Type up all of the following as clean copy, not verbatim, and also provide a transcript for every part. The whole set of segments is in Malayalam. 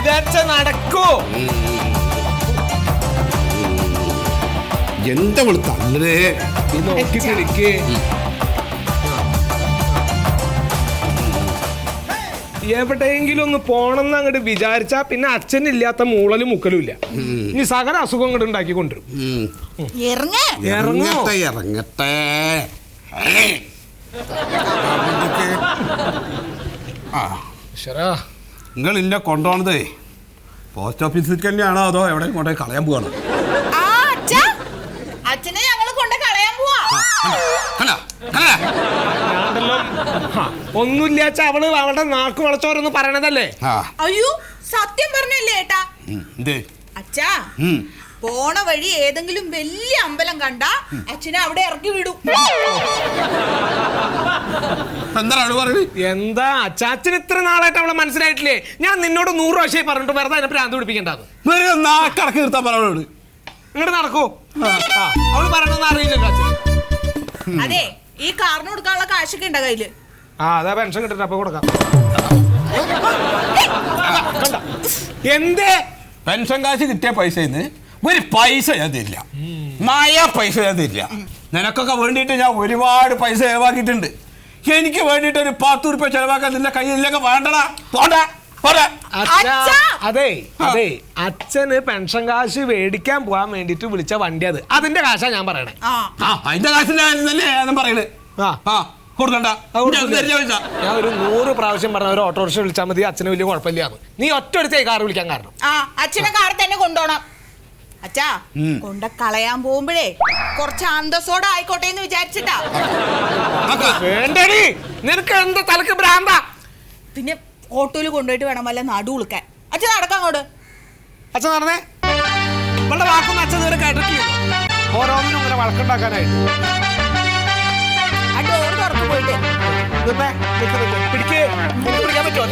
വിചാരിച്ച നടക്കൂ. എന്താ തള്ളേ നോക്കി കിടക്ക്. എവിടെയെങ്കിലും ഒന്ന് പോണെന്ന് അങ്ങോട്ട് വിചാരിച്ചാ പിന്നെ അച്ഛനില്ലാത്ത മൂളലും മുക്കലും ഇല്ല. ഇനി സകല അസുഖം അങ്ങോട്ട് ഉണ്ടാക്കി കൊണ്ടുവരും. ഇറങ്ങട്ടെ. നിങ്ങൾ ഇല്ല കൊണ്ടുപോണതേ പോസ്റ്റ് ഓഫീസിൽ തന്നെയാണോ അതോ എവിടെ കൊണ്ടുപോയി കളയാൻ പോവാണോ? അച്ഛനെ ഞങ്ങള് കൊണ്ട് കളയാൻ പോവാ. ഒന്നുമില്ലാച്ച അവള് അവളുടെ നാക്ക് വളച്ചോരെന്ന് പറയണതല്ലേ? അയ്യോ സത്യം പറഞ്ഞല്ലേ ഏട്ടാ. അച്ഛാ പോണ വഴി ഏതെങ്കിലും വലിയ അമ്പലം കണ്ട അച്ഛനെ അവിടെ ഇറക്കി വിടും. എന്താ അച്ചാച്ചന് ഇത്ര നാളായിട്ട് അവളെ മനസ്സിലായിട്ടില്ലേ? ഞാൻ നിന്നോട് 100 പ്രാവശ്യം പറഞ്ഞിട്ട് വെറുതെ അതിനെ ഭ്രാന്ത് പിടിപ്പിക്കേണ്ടത്. ഇങ്ങോട്ട് നടക്കൂ. അവള് പറയണമെന്ന് അറിയില്ലല്ലോ അച്ഛൻ. അതെ ഈ കാറിന് കൊടുക്കാനുള്ള കാശൊക്കെ ഉണ്ടോ കയ്യില്? അതാ പെൻഷൻ കിട്ടട്ടെ അപ്പൊ കൊടുക്കാം. എന്തേ പെൻഷൻ കാശ് കിട്ടിയ പൈസ ഒരു പൈസ ഞാൻ തരില്ല. പൈസ ഞാൻ തരില്ല. നിനക്കൊക്കെ വേണ്ടിയിട്ട് ഞാൻ ഒരുപാട് പൈസ ചെലവാക്കിയിട്ടുണ്ട്. എനിക്ക് വേണ്ടിയിട്ട് ഒരു 10 രൂപ ചെലവാക്കാൻ നിന്റെ കയ്യിലൊക്കെ വേണ്ടടാ. അതെ അതെ അച്ഛന് പെൻഷൻ കാശ് മേടിക്കാൻ പോകാൻ വേണ്ടിട്ട് വിളിച്ച വണ്ടി അതിന്റെ കാശാ ഞാൻ പറയണേ. അതിന്റെ കാശിന്റെ ഞാൻ പറയണേ. ഞാൻ ഒരു 100 പ്രാവശ്യം പറഞ്ഞ ഒരു ഓട്ടോറിക്ഷ വിളിച്ചാൽ മതി, അച്ഛന് വലിയ കുഴപ്പമില്ലാന്ന്. നീ ഒറ്റടുത്തേ കാർ വിളിക്കാൻ കാരണം. അച്ഛനെ കാർ തന്നെ കൊണ്ടുപോണം. അച്ഛാ കൊണ്ട കളയാൻ പോകുമ്പോഴേ കുറച്ച് അന്തസ്സോടെ ആയിക്കോട്ടെ എന്ന് വിചാരിച്ചിട്ടാ. വേണ്ടടി നിനക്ക് എന്താ തലക്ക് ഭ്രാന്താ? പിന്നെ ഓട്ടോയിൽ കൊണ്ടുപോയിട്ട് വേണം വല്ല നടു ഉളുക്കാൻ. അച്ഛൻ നടക്കാൻ അങ്ങോട്ട്. അച്ഛൻ നടന്നേ. ഇവളുടെ വാക്കൊന്നും അച്ഛൻ നേരെ കേട്ടിട്ടില്ല. ഓരോന്നിനും ഇങ്ങനെ വഴക്കുണ്ടാക്കാനായിട്ട്. ആ ഡോർ തുറന്നു പോയിട്ട് പിടിക്കാൻ പറ്റുമോ?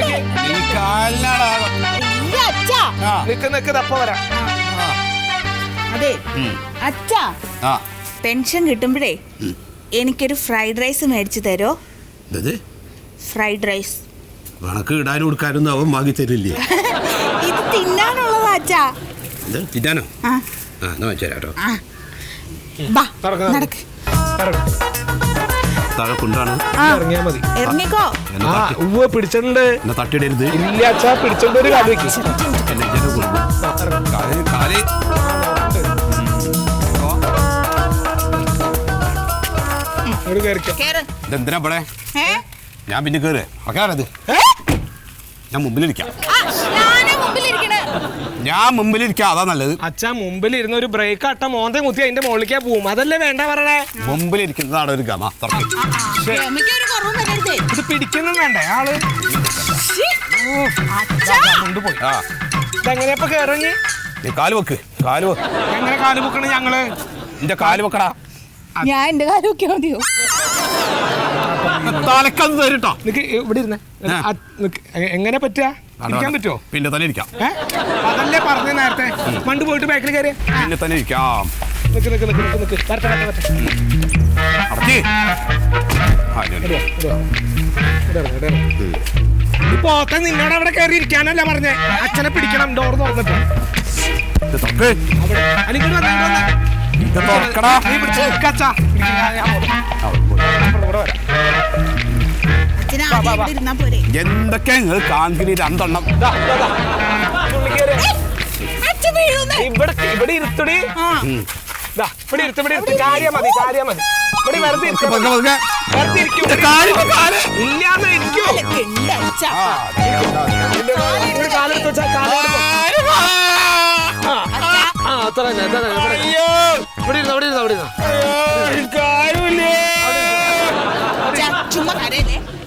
നിക്ക് തപ്പ വരാം. അതെ അച്ഛാ പെൻഷൻ കിട്ടുമ്പോഴേ എനിക്കൊരു ഫ്രൈഡ് റൈസ് മേടിച്ചു തരോ? ഫ്രൈഡ് റൈസ് കണക്ക് ഇടാനും കൊടുക്കാനൊന്നും അവൻ വാങ്ങി തരില്ലേ? ഇത് തിന്നാനുള്ളതാ അച്ഛാ. തിന്നാനോ? വെച്ചോ താഴെ കൊണ്ടാണ് ഇറങ്ങിയാ മതി. ഇറങ്ങിക്കോ. പിടിച്ചിട്ടുണ്ട്. തട്ടിടരുത്. ഇല്ല അച്ഛാ പിടിച്ചോണ്ട് ഒരു കാല് വെക്കും. ഇതെന്തിനാ ഇവിടെ? ഞാൻ പിന്നെ കേറ് അക്കാരത്. ഞാൻ മുമ്പിലിരിക്കാം. ഞാൻ മുമ്പിലിരിക്കാം, അതാ നല്ലത്. അച്ഛാ മുമ്പിൽ ഇരുന്ന ഒരു ബ്രേക്ക് അട്ട മോന്തെ മുത്തി അതിന്റെ മുകളിലേക്കാ പോവും. അതല്ലേ വേണ്ട പറയണേ. മുമ്പിലിരിക്കുന്നതാണ് ഒരു ഗമ. ഇത് പിടിക്കുന്നു വേണ്ടേ ആള്? കൊണ്ടുപോയി. ഇതെങ്ങനെയപ്പ കേറങ്ങി? കാല് വെക്ക്. എങ്ങനെ കാല് വെക്കണ? ഞങ്ങള് എന്റെ കാല് വെക്കടാ. ഞാൻ എന്റെ കാല് വെക്കാൻ മതിയോ? തലക്കന്ന് തരുട്ടോ. ഇവിടെ ഇരുന്നേ. എങ്ങനെ പറ്റുക? ഇരിക്കാൻ പറ്റുമോ? പിന്നെ തന്നെ ഇരിക്കാം. അതല്ലേ പറഞ്ഞ നേരത്തെ. പണ്ട് പോയിട്ട് ബാക്കിൽ കയറിയ പിന്നെ തന്നെ ഇരിക്കാം. ഇപ്പൊ നിന്നോട് അവിടെ കയറി ഇരിക്കാനല്ല പറഞ്ഞേ. അച്ഛനെ പിടിക്കണം. ഡോർ തുറന്നിട്ട് എന്തൊക്കെ നിങ്ങൾ കാണിക്കുന്ന 2 എണ്ണം ഇവിടെ ഇരുത്തടി. ഇവിടെ ഇരുത്ത്. കാര്യം മതി. ഇവിടെ വെറുതെ ഇല്ലാന്ന് ഇരിക്കൂ. കാലെടുത്ത് വെച്ചാ അത്ര ഇവിടെ ഇരുന്ന ചുമ്മാ